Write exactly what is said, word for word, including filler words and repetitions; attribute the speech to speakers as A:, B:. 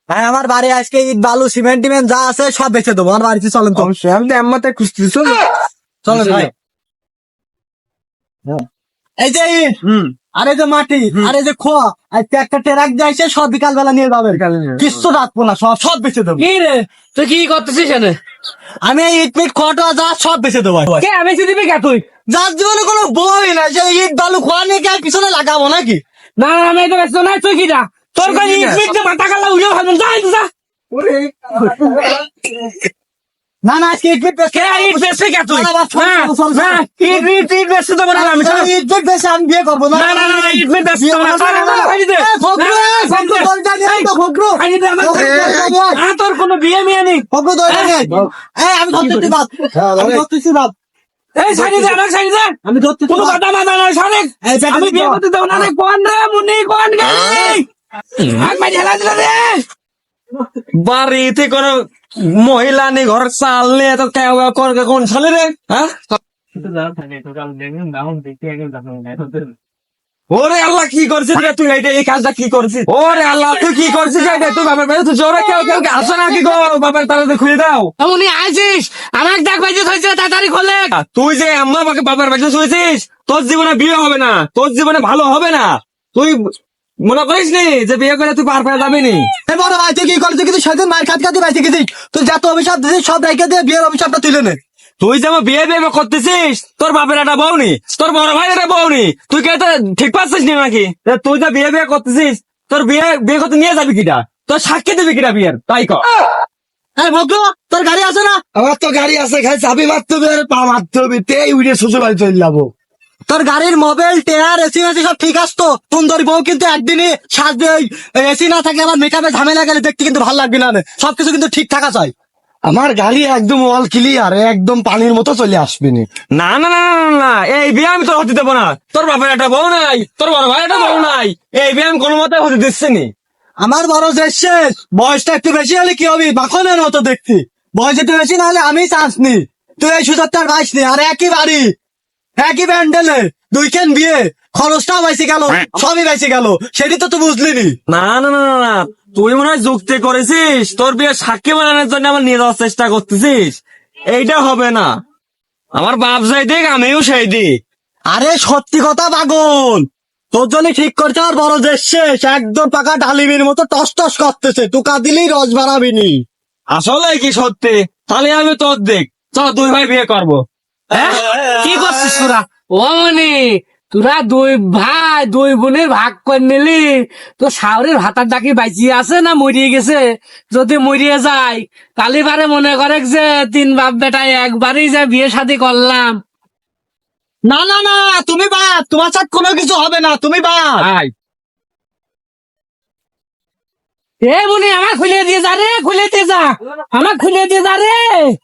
A: ভাই আমার বাড়ি আজকে ইট বালু সিমেন্ট টিমেন্ট যা আছে সব বেচে দেবো। আমার বাড়িতে চলেন তো,
B: অবশ্যই আমি তো এমতে খুঁজতেছি চলো।
A: চলেন ভাই। এই যে ইট,
B: হুম
A: আর এই যে মাটি, আর এই যে খোয়া, আজকে একটা ট্রাক যাইছে, সব বিকাল বেলা নিয়ে যাবে।
B: বিকালে নিয়ে যাবে।
A: কিচ্ছু রাখবো না, সব সব বেচে দেবো।
C: কি রে তুই কি করতেছিস এখানে?
A: আমি এই ইট মিট খোয়াটা যা সব বেচে দেবো।
C: কে আমি দিবি কে তুই?
A: যার জীবনে কোনো বই না, যে ইট বালু খোয়া নিয়ে কে পিছনে লাগাবো নাকি?
C: না না আমি তো ব্যস্ত নাই, তুই কি যা তোর কাছে ইট মিট দিয়ে মাথা কালা উড়িয়ে ভাবছেন, যা তুই যা।
B: ওরে
A: না না আজকে ইট মিট বেচে
C: কে ইট বেচবি কে তুই?
A: না, না, চল,
C: না,
A: চল, চল, চল।
C: না, ইট ইট ইট বেচতে দেবো না আমি, চল।
A: ইট মিট বেচে আমি বিয়ে করবো না।
C: না না না ইট মিট বেচতে দেবো না, চল, চল, খাইয়ে দে।
A: এই, খোকরু,
C: না,
A: এই, খোকরু,
C: খাইয়ে দে।
A: দরজা নিয়ে আয় তো, খোকরু।
C: খাইয়ে দে আমার।
A: খোকরু, দরজা নিয়ে আয়।
C: আ, তোর কোনো বিয়ে মিয়ে নেই।
A: খোকরু, দরজা নিয়ে আয়। এই, আমি ধরতেছি বাদ, আমি ধরতেছি বাদ।
C: এই সাইডে দে, আমার সাইডে দে।
A: আমি ধরতেছি
C: কোনো
A: বাদ।
C: কথা বাধা নয়, সরেক।
A: এই, পেটে
C: আমি
A: দিতে
C: বিয়ে
A: হবে।
C: করতে দেবো না রে, কোন রে মুনি, কোন গাড়ি? আগ মাঝে হেলা দিল রে।
B: বাড়িতে কোনো মহিলা নেই, ঘর চাল নেই, তো কেউ করে কোন সালে রে? হ্যাঁ ওরে আল্লাহ কি করছিস রে তুই? এইটা এই কাজটা কি করছিস? ওরে আল্লাহ তুই কি করছিস? এটা তুই বাবার বাড়ি তুই জোরে কেউ কেউ আসো না কি গো? বাবার তাড়াতাড়ি খুলে দাও।
C: উনি আইছিস, আমার ডাক বাজে হয়েছে, তাড়াতাড়ি খোলে।
B: তুই যে আম্মা বাকে বাবার বাড়িতে শুয়েছিস, তোর জীবনে বিয়ে হবে না, তোর জীবনে ভালো হবে না। তুই মনে করিস নি যে বিয়ে করে তুই পার পেয়ে যাবি নি?
A: এই বড় ভাই, তুই কি করছিস? কিন্তু সেদিন মার খাত খাতে বাইতে গেছিস, তুই যত অভিশাপ দিছিস সব রেখে দিয়ে বিয়ের অভিশাপটা তুলে নে।
B: তুই যেমন বিয়ে বিয়ে করতেছিস, তোর বাপের একটা বউ নি, তোর বড় ভাই একটা বউ নি, তুই কে তো ঠিক পাচ্ছিস নি নাকি? তা তুই যে বিয়ে বিয়ে করতেছিস, তোর বিয়ে বিয়ে করতে নিয়ে যাবি কিটা? তোর সাক্ষী দিবি কিটা বিয়ের? তাই কর।
A: এই ভগ্ন, তোর গাড়ি আছে না?
D: আমার তো গাড়ি আছে, খাই চাবি মারতে হবে আর পা মারতে হবে, তেই উড়ে শ্বশুর বাড়ি চলে যাবো।
A: তোর গাড়ির মোবাইল টেয়ার এসি মেসি সব ঠিক আছে তো? সুন্দর বউ কিন্তু একদিনই সাজবে, এসি না থাকলে আবার মেকআপে ঝামেলা গেলে দেখতে কিন্তু ভালো লাগবে না। সবকিছু কিন্তু ঠিক থাকা চাই।
D: আমার গাড়ি একদম অল ক্লিয়ার, একদম পানির মতো চলে আসবে নি।
B: না না না না, না, না, এই বিয়ে আমি তোর হতে দেবো না। তোর বাপের একটা বউ নাই, তোর বড় ভাই একটা বউ নাই, এই বিয়ে আমি কোনো মতে হতে দিচ্ছি নি।
A: আমার বড় যে শেষ, বয়সটা একটু বেশি হলে কি হবে? মাখনের মতো দেখছি। বয়স একটু বেশি না হলে আমি চান্স নি। তুই এই সুযোগটার বাইশ নি। আর একই বাড়ি, একই ব্যান্ডেলে দুইখান বিয়ে, খরচটাও বাইসে গেল, সবই বাইসে গেল। সেটি তো তুই বুঝলি নি।
B: না না না না, না, তুই মনে হয় যুক্তি করেছিস, তোর বিয়ে সাক্ষী বানানোর জন্য আমার নিয়ে যাওয়ার চেষ্টা করতেছিস। এইটা হবে না। আমার বাপ যাই দিক, আমিও সেই দিক।
A: আরে সত্যি কথা পাগল, তোর জন্য ঠিক করছে আর বড় যে শেষ, একদম পাকা ডালিমের মতো টস টস করতেছে। টুকা দিলেই রস বাড়াবিনি।
B: আসলে কি সত্যি? তাহলে আমি তোর দিক, চল দুই ভাই বিয়ে করবো।
C: হ্যাঁ? কি করছিস তোরা? ও মনি, তোরা দুই ভাই দুই বোনের ভাগ করে নিলি, তো শাওরের ভাতার ডাকি বাইচি আছে না মরিয়ে গেছে? যদি মরিয়ে যায় তাহলে বারে মনে করে যে তিন বাপ বেটায় একবারই যে বিয়ে শাদী করলাম।
A: না না না, তুমি বাদ, তোমার সাথে কোনো কিছু হবে না, তুমি বাদ।
B: আয়
C: এ মনি আমার খুলে দিয়ে যা রে, খুলে দিয়ে যা, আমার খুলে দিয়ে যা রে।